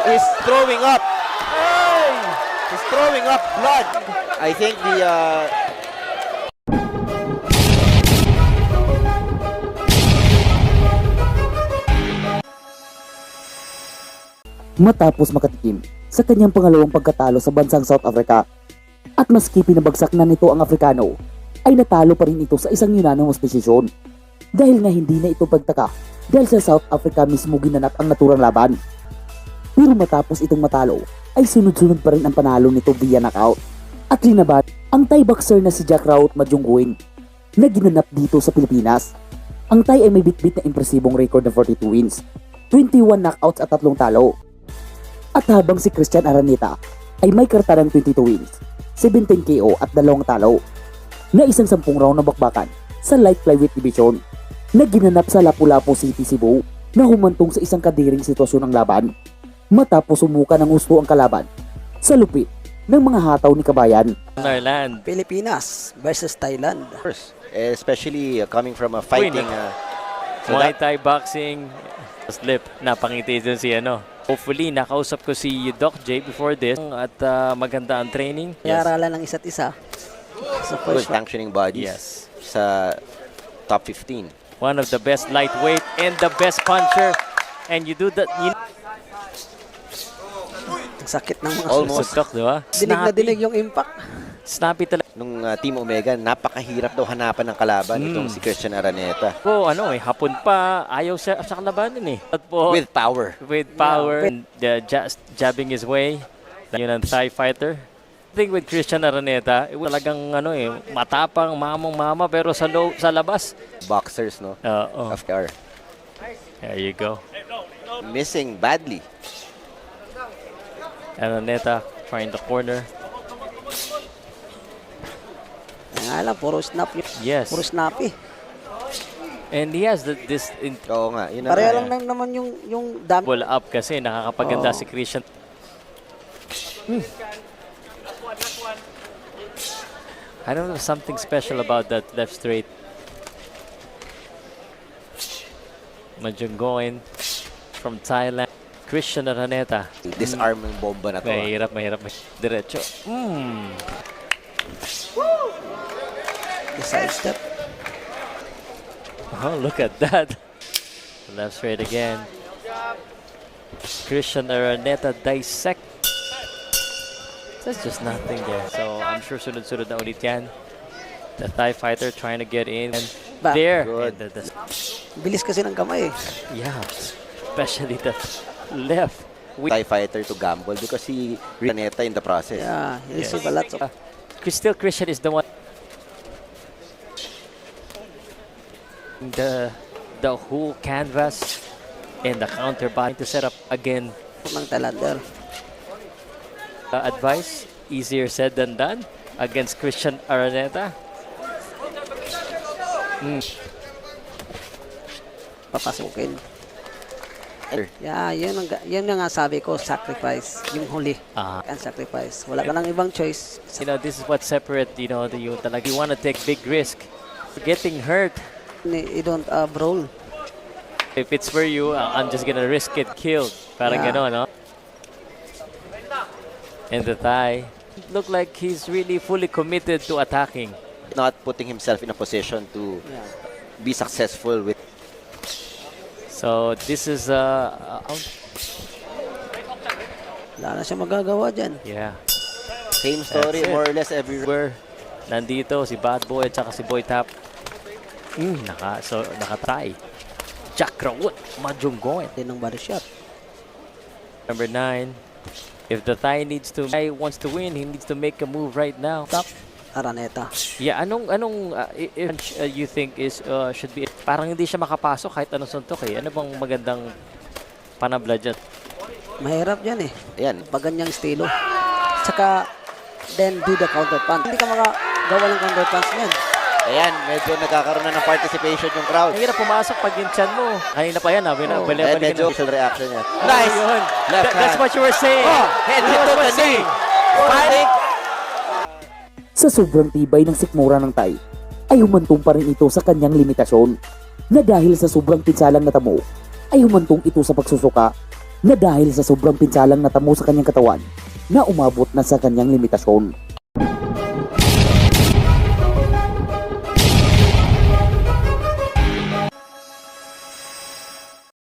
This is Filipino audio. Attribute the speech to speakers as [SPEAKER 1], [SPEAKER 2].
[SPEAKER 1] is throwing up. He's throwing up blood. I think the
[SPEAKER 2] matapos makatikim sa kanyang pangalawang pagkatalo sa bansang South Africa. At maski pinabagsak na nito ang Afrikano, ay natalo pa rin ito sa isang unanimous decision. Dahil nga hindi na ito pagtaka dahil sa South Africa mismo ginanap ang naturang laban. Pero matapos itong matalo, ay sunod-sunod pa rin ang panalo nito via knockout. At linabat ang Thai boxer na si Jack Raut Majungguin na ginanap dito sa Pilipinas. Ang Thai ay may bitbit na impresibong record na 42 wins, 21 knockouts at 3 talo. At habang si Christian Araneta ay may kartarang 22 wins, 17 KO at 2 talo na isang 10 round na bakbakan sa light flyweight division na ginanap sa Lapu-Lapu City, Cebu na humantong sa isang kadiring sitwasyon ng laban matapos sumuka ng husto ang kalaban sa lupit ng mga hataw ni Kabayan.
[SPEAKER 3] Narland.
[SPEAKER 4] Pilipinas versus Thailand.
[SPEAKER 1] especially coming from a fighting so
[SPEAKER 3] Muay
[SPEAKER 1] that,
[SPEAKER 3] Thai boxing. Slip. Napangiti dun si ano. Hopefully, nakausap ko si Doc J before this at maganda ang training.
[SPEAKER 4] Iaralan ng isa't isa. Sa
[SPEAKER 1] good
[SPEAKER 4] first round.
[SPEAKER 1] functioning bodies
[SPEAKER 3] Yes.
[SPEAKER 1] sa top 15.
[SPEAKER 3] One of the best lightweight and the best puncher. And you do that,
[SPEAKER 4] Ang sakit ng mga
[SPEAKER 1] Almost.
[SPEAKER 3] Doc, di ba?
[SPEAKER 4] Dinig na dinig yung impact.
[SPEAKER 3] Snappy talaga.
[SPEAKER 1] Nung Team Omega, napakahirap daw hanapan ng kalaban itong si Christian Araneta.
[SPEAKER 3] Po, hapon pa, ayaw siya sa kalabanin eh. At po,
[SPEAKER 1] With power.
[SPEAKER 3] with power and jabbing his way. Yun ang Thai fighter. I think with Christian Araneta, talagang matapang, mamang-mama pero sa labas.
[SPEAKER 1] Boxers, no? Of course.
[SPEAKER 3] There you go.
[SPEAKER 1] Missing badly.
[SPEAKER 3] Araneta trying the corner.
[SPEAKER 4] Nga lang, puro snap yun.
[SPEAKER 3] Yes.
[SPEAKER 4] Puro snappy.
[SPEAKER 3] And he has this
[SPEAKER 1] Oo nga, yun na
[SPEAKER 4] Pareho
[SPEAKER 1] nga.
[SPEAKER 4] lang naman yung dami.
[SPEAKER 3] ball up kasi nakakapaganda
[SPEAKER 4] Oo.
[SPEAKER 3] si Christian. I don't know, something special about that left straight. Majunggoin from Thailand. Christian Araneta.
[SPEAKER 1] Disarming bomba na to.
[SPEAKER 3] Mahirap. Diretso.
[SPEAKER 4] The side step.
[SPEAKER 3] Oh, look at that. Left straight again. Christian Araneta dissect. There's just nothing there. So I'm sure sunod-sunod na ulit yan. The Thai fighter trying to get in. And
[SPEAKER 4] Back.
[SPEAKER 3] there.
[SPEAKER 1] Good.
[SPEAKER 3] And
[SPEAKER 4] Bilis kasi ng kamay.
[SPEAKER 3] yeah. Especially the left.
[SPEAKER 1] Thai fighter to gamble because he Araneta in the process.
[SPEAKER 4] Yeah, he
[SPEAKER 3] Yes.
[SPEAKER 4] receive a lot of...
[SPEAKER 3] Still Christian is the one. The whole canvas and the counter body to set up again.
[SPEAKER 4] ng Thailander.
[SPEAKER 3] Advice, easier said than done against Christian Araneta.
[SPEAKER 4] Papasukin. Yeah, yun ang nga sabi ko, sacrifice. Yung huli. Ang sacrifice. Wala ka nang ibang choice.
[SPEAKER 3] This is what separate, you talaga you want to take big risk. Getting hurt.
[SPEAKER 4] You don't roll.
[SPEAKER 3] If it's for you, I'm just gonna risk it killed. Parang
[SPEAKER 4] Yeah.
[SPEAKER 3] gano'n, no? And the Thai look like he's really fully committed to attacking.
[SPEAKER 1] Not putting himself in a position to
[SPEAKER 4] Yeah.
[SPEAKER 1] be successful with
[SPEAKER 3] So this is
[SPEAKER 4] Wala na siya magagawa dyan.
[SPEAKER 3] yeah.
[SPEAKER 1] same story
[SPEAKER 3] That's it.
[SPEAKER 1] more or less everywhere.
[SPEAKER 3] Where nandito si Bad Boy at saka si Boy Tap. Nakatry. Jack Raut Majunggoin.
[SPEAKER 4] Din ng body shot.
[SPEAKER 3] Number 9. If the Thai wants to win, he needs to make a move right now.
[SPEAKER 4] Top. Araneta.
[SPEAKER 3] Yeah, anong you think is should be parang hindi siya makapasok kahit anong suntok eh. Ano bang magandang panabla dyan?
[SPEAKER 4] Mahirap yan eh.
[SPEAKER 1] Ayan.
[SPEAKER 4] Pag ganyang estilo. Tsaka, then do the counter punch. Hindi ka makagawa ng counter punch niyan.
[SPEAKER 1] Ayan, medyo nagkakaroon na ng participation yung crowd.
[SPEAKER 3] Ang hirap pumasok pag yung chan mo. Kanina pa yan,
[SPEAKER 1] And medyo facial reaction niya.
[SPEAKER 3] Nice! Yun.
[SPEAKER 1] Left
[SPEAKER 3] That's
[SPEAKER 1] hand.
[SPEAKER 3] what you were saying.
[SPEAKER 1] Head
[SPEAKER 3] That's
[SPEAKER 1] hit to
[SPEAKER 3] what
[SPEAKER 1] the
[SPEAKER 3] we're saying.
[SPEAKER 1] knee. Fighting.
[SPEAKER 2] Sa sobrang tibay ng sikmura ng Thai, ay humantong pa rin ito sa kanyang limitasyon na dahil sa sobrang pinsalang natamo, ay humantong ito sa pagsusuka na dahil sa sobrang pinsalang natamo sa kanyang katawan na umabot na sa kanyang limitasyon.